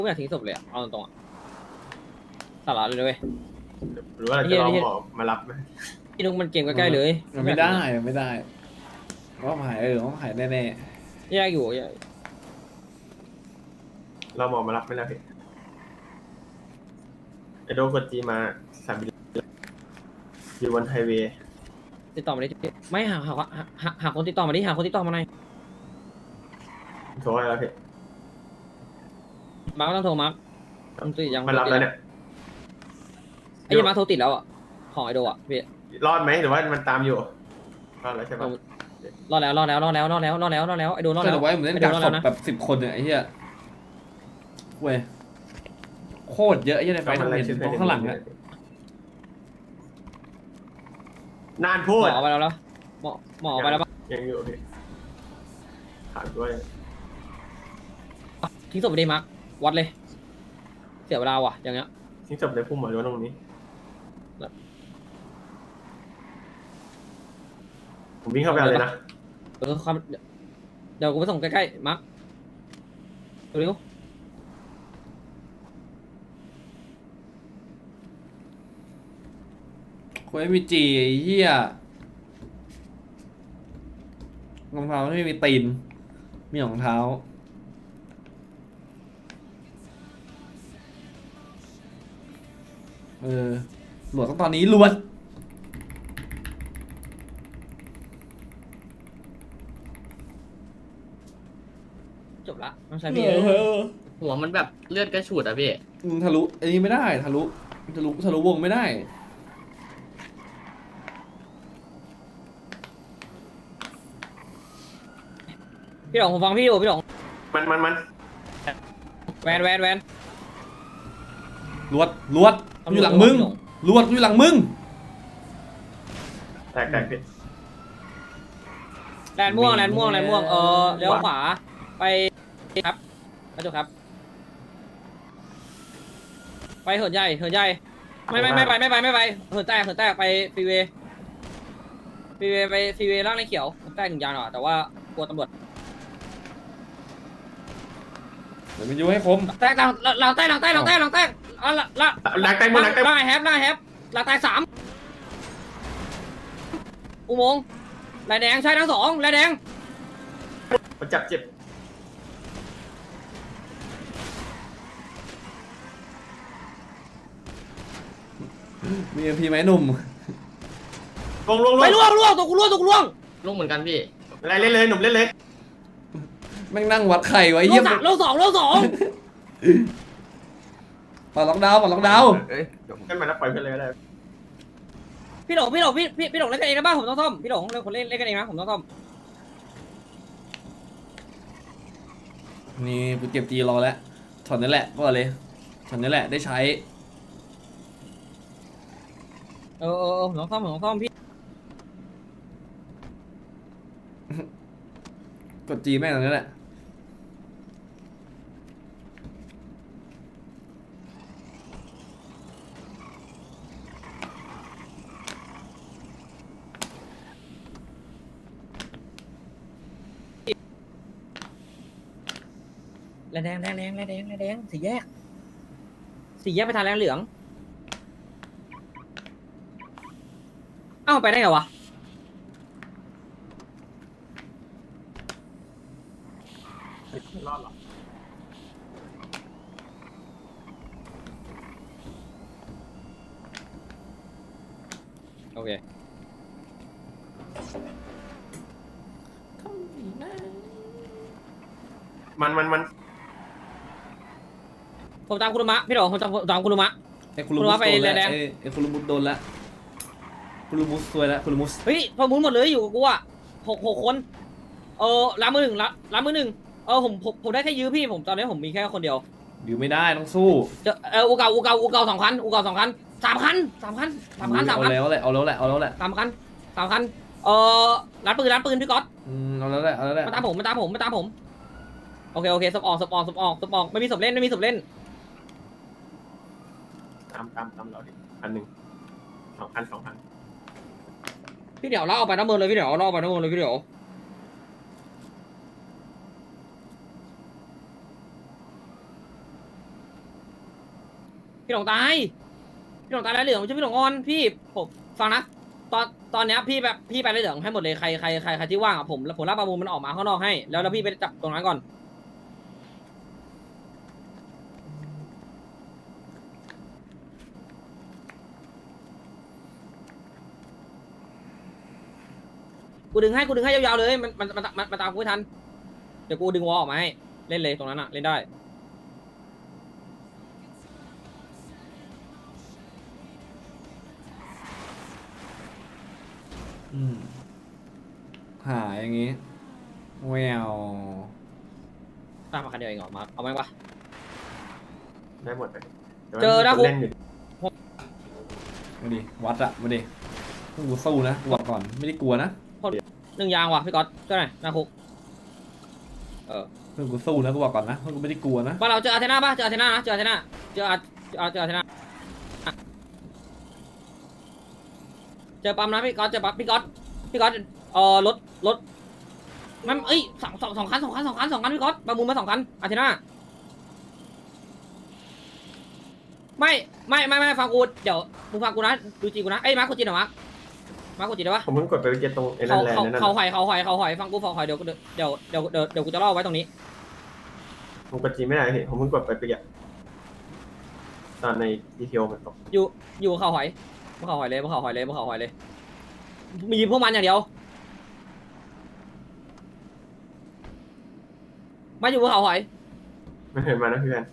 ไม่อยากทิ้งศพเลยอะเอาตรงๆอะสาระเลยเว้ยหรือว่าเราจะลองหมอมารับไหมพี่นุ๊กมันเกมใกล้ๆเลยมันไม่ได้มันไม่ได้ว่าหายว่าหายแน่แยกอยู่แยกเราหมอมารับไม่แล้วพี่ไอโดกดจีมาสามบิลอยู่บนไฮเวย์ติดต่อมาดิไม่หาคนติดต่อมาดิหาคนติดต่อมาหน่อยโทรให้แล้วพี่มาร์คต้องโทรมาร์คมันติดยังมารับแล้วเนี่ยไอ้ยังมาร์คโทรติดแล้วอ่ะของไอโดอ่ะพี่รอดไหมหรือว่ามันตามอยู่รอดแล้วใช่ปะรอดแล้วไอโดรอดๆแล้วไว้เหมือนเล่นดักศพแบบ10 คนเนี่ยไอ้เหี้ยเว้ยโคตรเยอะไอ้เหี้ยในไฟทำเห็นตรงข้างหลังอะนานหมพูดอไปแล้วหมอไปแล้วปะยังอยู่พี่ถามด้วยทิ้งศพไปดิมาร์ควัดเลย เสียเวลาว่ะอย่างเงี้ยทิ้งศพในพุ่มหมอหรือว่าตรงนี้ผมวิ่งเข้าไปเอาเลยนะความเดี๋ยวกูไปส่งใกล้ๆมาร์คเร็วคนไม่มีจีไอ้เหี้ยรองเท้าไม่มีตีนมีรองเท้าหลวดต้องตอนนี้ลวดจบละน้องชายพี่หัวมันแบบเลือดกระฉูดอะพี่ทะลุอันนี้ไม่ได้ทะลุวงไม่ได้พี่หลงผมฟังพี่อยู่พี่หลงมันแวนลวดอยู่หลังมึงลวดอยู่หลังมึงแตกพี่แลนม่วงเลี้ยวขวาไปครับกระจกครับไปเหินใหญ่ไม่ไปเหินแตกไปฟรีเวย์ไปฟรีเวย์ล่างในเขียวแตก1 ยางหรอแต่ว่ากลัวตำรวจเดี๋ยวมันยูให้คมแตกหลังแตกอ่ะละหลังแตกหมดหลังแตกล่างแฮปหลังแตก3อุโมงค์ลายแดงใช่ทั้ง2ลายแดงมันจับเจ็บมีเอ็มพีไหมหนุ่มลงไปล่วงตัวกูล่วงลูกเหมือนกันพี่อะไรเล่นเลยหนุ่มเล่นเลยแม่งนั่งวัดไข่ไว้ล่เยี่วย งม 3ล่วง2 ปอดล็อกดาวน์ขึ้นมาแล้วปล่อยเพื่อนเลยก็ได้พี่หลงเล่นกันเองนะบ้างผมต้องซ่อมพี่หลงเล่นคนเล่นกันเองนะผมต้องซ่อมนี่กูเก็บจีรอแล้วช็อตนี้แหละก็เลยช็อตนี้แหละได้ใช้ผมต้องซ่อมพี่กดจีแม่งตรงนี้แหละแดงสี่แยกไปทางแรงเหลืองเอ้าไปได้ไงวะรอดหรอโอเคมันผมตามคุณมะพี่หลงผมตามคุณมะไอ้คุรุมุสไปโดนแล้วแดงไอ้คุรุมุสโดนแล้วคุรุมุสซวยแล้วคุรุมุสเฮ้ยพอมุนหมดเลยอยู่กับกูอ่ะหกคนล้างมือหนึ่งผมได้แค่ยื้อพี่ผมตอนนี้ผมมีแค่คนเดียวอยู่ไม่ได้ต้องสู้อูเก่า2 คัน3 คัน3 คันเอาแล้วแหละ3 คัน 3 คันร้านปืนพี่ก๊อตเอาแล้วแหละมาตามผมโอเคศพออกไม่มีศพเล่นตามเราดิ1 2 คันพี่เดี๋ยวเราเอาไปน้ำมือเลยพี่เดี๋ยวพี่หลงตายพี่หลงตายแล้วเหลืองไม่ใช่พี่หลงอ่อนพี่ผมฟังนะตอนเนี้ยพี่แบบพี่ไปเลยเหลืองให้หมดเลยใครที่ว่างอ่ะผมรับประมูลมันออกมาข้างนอกให้แล้วพี่ไปจับตรงนั้นก่อนกูดึงให้ยาวๆเลยมันตามกูไม่ทันเดี๋ยวกูดึงวอลออกมาให้เล่นเลยตรงนั้นอ่ะเล่นได้อืมหาอย่างงี้แววตามมาคันเดียวเองเหรอมาเอาไหมวะได้หมดเลยแต่เจอว่านะมีคนเล่นอยู่มาดิวัดอะมาดิพวกกูสู้นะกูบอกก่อนไม่ได้กลัวนะหนึ่งยางว่ะพี่ก๊อตก็ไหนหน้าคุกพวกกูสู้นะกูบอกก่อนนะพวกกูไม่ได้กลัวนะบ้านเราเจออาเทน่าป่ะเจออาเทน่านะเจออาเทน่าเจออาเทน่าเจอปั๊มนะพี่ก๊อตเจอปั๊มพี่ก๊อตรถมันเอ้ยสองคันพี่ก๊อตประมูลมา2 คันอาเทน่าไม่ฟังกูเดี๋ยวมึงฟังกูนะดูจีกูนะเอ้ยมาร์คกูจีนเหรอมาร์คกูจีนได้ปะผมเพิ่งกดไปเมื่อกี้ตรงไอ้นั่นแหละนั่นเขาน่ะหอยฟังกูเดี๋ยวกูจะเล่าไว้ตรงนี้ผมกดจีไม่ได้พี่ผมเพิ่งกดไปเมื่อกี้ตอนในดีเทลมันตกอยู่เขาหอยมึงเขาหอยเลยมีพวกมันอย่างเดียวมาอยู่บนเขาหอยมันเห็นมานะเพื่อน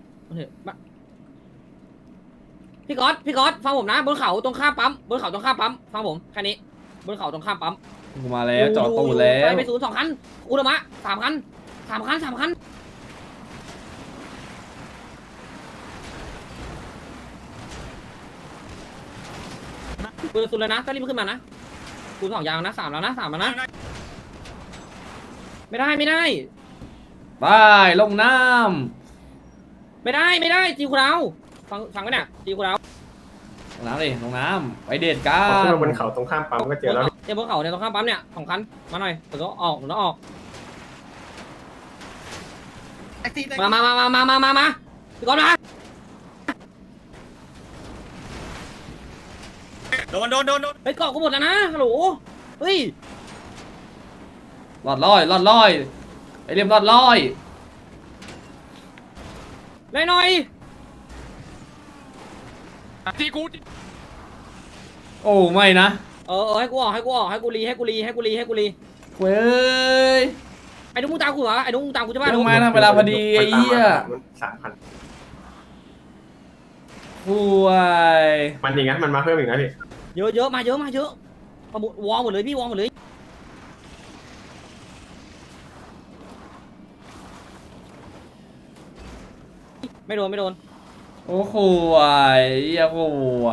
พี่ก๊อตฟังผมนะบนเขาตรงข้ามปั๊มฟังผมแค่นี้บนเขาตรงข้ามปั๊มกูมาแล้วจอดตูดแล้วไปศูนย์2 คันอุลมะ3 คันกูจะสุดเลยนะต้องรีบขึ้นมานะกู2 ยางนะ3 แล้วนะไม่ได้ไปลงน้ไม่ได้จีกูเราฟังไว้เนี่ยจีกูเราำลงน้ำดิลงน้ำไปเดทกัพอขึ้นนมาบนเขาตรงข้ามปั๊มก็เจอแล้วเดี๋ยวบนเขาเนี่ยตรงข้ามปั๊มเนี่ย2 คันมาหน่อยผมต้องออกมาพี่ก๊อตมาโดนไปเกาะกูหมดแล้วนะฮัลโหลเฮ้ยหลอดลอยไอเรียมหลอดลอยได้หน่อยโอ้ไม่นะให้กูออกให้กูรีเว้ยไอ้นุ๊กมึงตามกูเหรอไอ้นุ๊กมึงตามกูจะบ้าต้องมาทำเวลาพอดีไอ้เหี้ย 3,000 ห่วยมันอย่างงั้นมันมาเพิ่มอีกนะพี่เยอะมาเยอะประมูลวอลหมดเลยพี่วอลหมดเลยไม่โดนโอ้ห่วยเหี้ยห่วย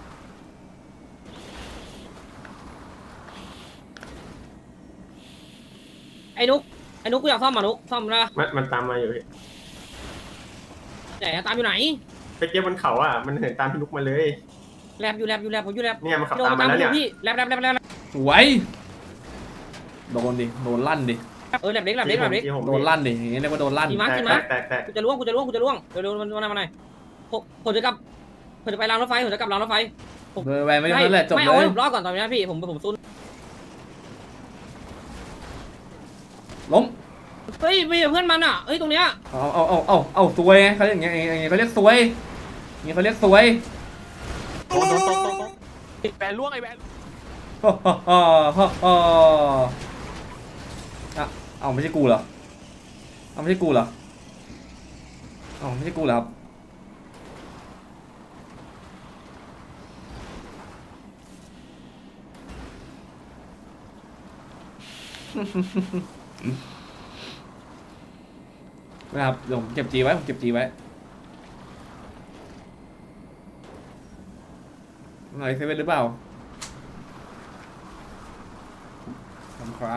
ไอ้นุ๊กกูอยากซ่อมนุ๊กซ่อมได้ปะมันตามมาอยู่พี่ไหนตามอยู่ไหนไปเก็บบนเขาอ่ะมันเห็นตามพี่ลุกมาเลยแลบผมอยู่แลบเนี่ยมันขับโดนตามตามมาแล้วอเนี่ยยู่พี่แลบสวยโดนดิโดนลั่นดิแลบเล็กที่ผมโดนลั่นดิอย่างเงี้ยเรียกว่าโดนลั่นขี่ม้าแตกกูจะล่วงเร็วมาหน่อยผมจะไปรางรถไฟผมจะกลับรางรถไฟเบอร์แวนไม่ได้แหละจบไม่เลเอายให้ผมรอดก่อนตอนนี้พี่ผมซุนล้มเฮ้ยมีเพื่อนมันอ่ะเฮ้ยตรงเนี้ยเอาสวยไงเขาเรียกอย่างเงี้ยเขาเรียกสวยอย่างเงี้ยเขาเรียกสวยแบนล่วงไอ้แบนเอาไม่ใช่กูเหรอเอาไม่ใช่กูเหรอเอาไม่ใช่กูเหรอครับนะครับเดี๋ยวผมเก็บจีไว้หน่อยเซเว่นหรือเปล่าครับ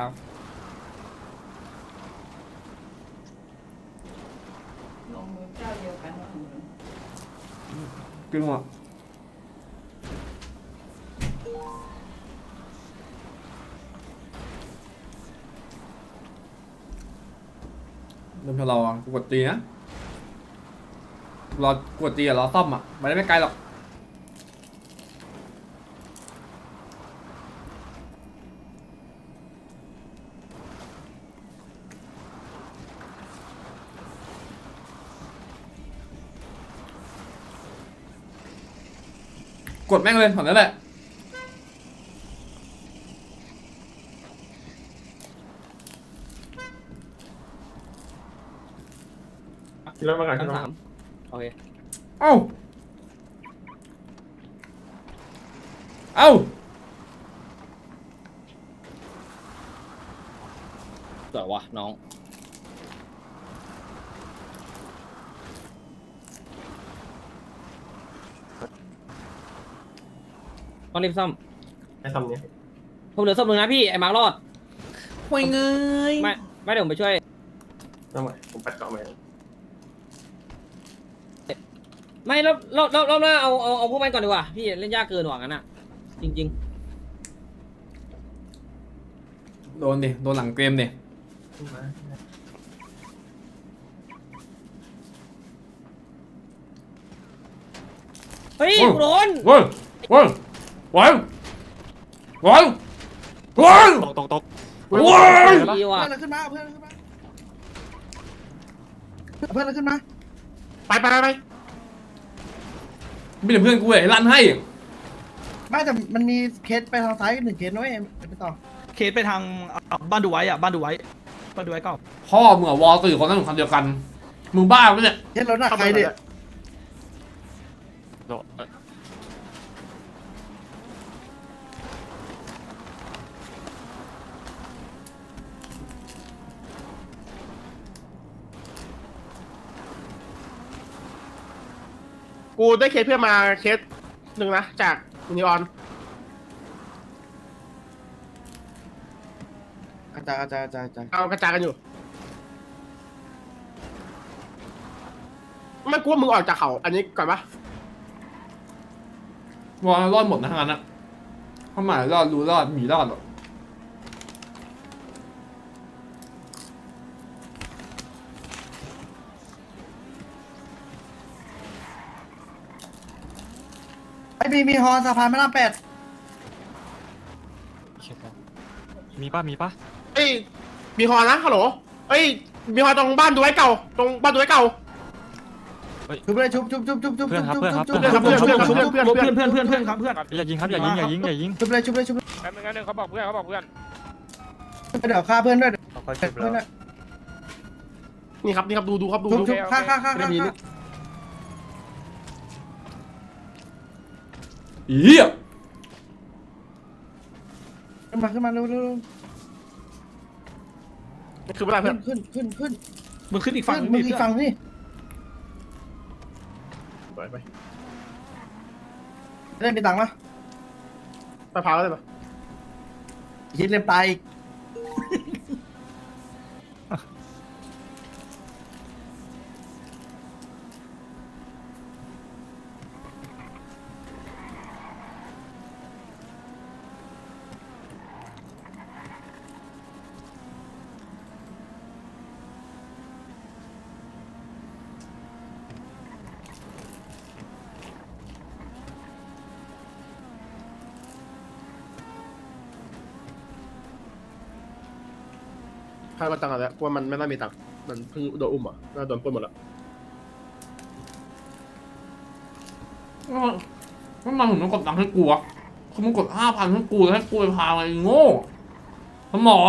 ลงมือเจ้าเดียวกันว่าขึ้นหัวเริ่มทะเลาะกูกดตีนะรอกดตีอะรอซ่อมอะมันได้ไม่ไกลหรอกกดแม่งเลยถอนนั่นแหละขึ้นรถมาก่อนชั้ขึ้นนรถสามโอเคเอ้า เอ้าสวยวะน้องต้องรีบซ่อมให้ทำเนี่ยผมเหลือซ่อมหนึ่งนะพี่ไอ้มาร์ครอดห่วยเงยไม่เดี๋ยวผมไปช่วยต้องไหวผมปัดเกาะมาไม่รอบหน้าเอาพวกมันก่อนดีกว่าพี่เล่นยากเกินหวังงั้นอ่ะจริงโดนดิ โดนหลังเกมดิๆเฮ้ยกูโดนเว้ยเว้ยเว้ยเว้ยเว้ยตกเว้ยดีว่ะเพื่อนเราขึ้นมาเพื่อนเราขึ้นมาเพื่อนเราขึ้นมาไปมีแต่เพื่อนกูเลยลั่นให้ไม่แต่มันมีเคสไปทางซ้ายหนึ่งเคสนะเว้ยไปต่อเคสไปทางบ้านดูไว้อะบ้านดูไว้เก่าพ่อมึงอะวอลตื่นคนนั้นคนเดียวกัน มึงบ้าปะเนี่ยเคสรถน่ะใครเด็ดโดดกูได้เคสเพื่อนมาเคสหนึ่งนะจากยูนิออนอาจารย์เอากระจายกันอยู่ไม่กลัวมึงออกจากเขาอันนี้ก่อนปะวอลรอดหมดนะทั้งนั้นอะข้าหมายรอดรู้รอดหมีรอดหรอกไอ้มีฮอสะพานพระราม 8 มีป่ะเอ้ยมีฮอนะฮัลโหลเอ้ยมีฮอตรงบ้านดูไว้เก่าตรงบ้านดูไว้เก่าชุบเลยชุบเพื่อนครับเพื่อนครับเพื่อนอย่ายิงครับอย่ายิงชุบเลยแป๊บนึงนะเขาบอกเพื่อนเดี๋ยวฆ่าเพื่อนด้วยเขาชุบเพื่อนแล้วนี่ครับดูครับดูชุบฆ่าเหี้ยขึ้นมาเร็วคือไม่ได้เพื่อนขึ้นมึงขึ้นอีกฝั่งมึงอีกฝั่งนี่ไปเล่นมีตังค์ปะไปพาเลยปะคิดเล่นตายอีกใครมาตังค์อะไรกลัวมันไม่น่ามีตังค์มันเพิ่งโดนอุ้มอ่ะน่าโดนปล้นหมดแล้วมันมาถึงต้องกดตังค์ให้กูอะคือมึงกด5,000ให้กูแล้วให้กูไปพาอะไรโง่สมอง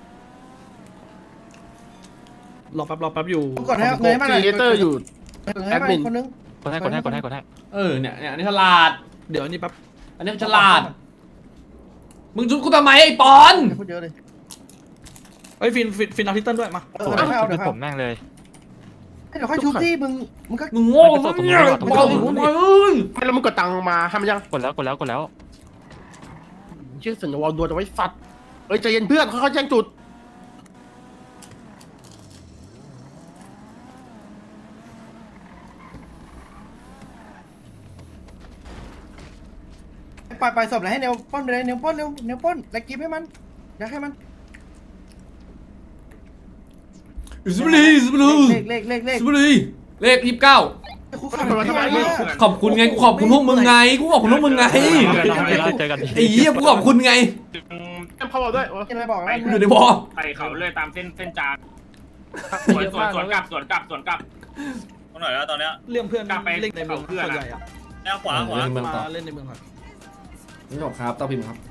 รอแป๊บอยู่กดให้เงยมาหน่อยครีเอเตอร์อยู่ให้มาคนนึงกดให้เนี่ยอันนี้ฉลาดเดี๋ยวอันนี้แป๊บอันนี้มันฉลาด มึงจุดกูทำไมไอ้ปอนพูดเยอะเลยเฮ้ยฟินเอาทิตเติ้ลด้วยมาเดี๋ยวให้เอาเดี๋ยวผมแม่งเลยเดี๋ยวค่อยชุบที่มึงก็มึงโง่ซะเนี่ยไอ้ปอนมึงเอ้ยไม่แล้วมึงกดตังค์มาให้มันยังกดแล้วชื่อสัญญาวอลดัวจะไว้สัตว์เอ้ยใจเย็นเพื่อนค่อยๆแจ้งจุดปล่อยศพเลยให้เนวป้นไปเลยเนวป้นเร็วเนวป้นแล้วกิฟให้มันอยากให้มันอิสบุรีเลขอิสบุรีเลข29 คุกเข่าทำไมเนี่ยขอบคุณไงกูขอบคุณพวกมึงไงกูขอบคุณพวกมึงไงเจอกันไอ้เหี้ยกูขอบคุณไงเข้ามาด้วยกินอะไรบอกนะอยู่ในบอไปเขาเลยตามเส้นจานสวนกลับตรงไหนแล้วตอนเนี้ยเรื่องเพื่อนกลับไปเล่นในเมืองเขาเพื่อนส่วนใหญ่อะแล้วขวาเล่นในเมืองต่อมาเล่นในเมืองก่อนไม่บอกครับต่อพิมพ์ครับ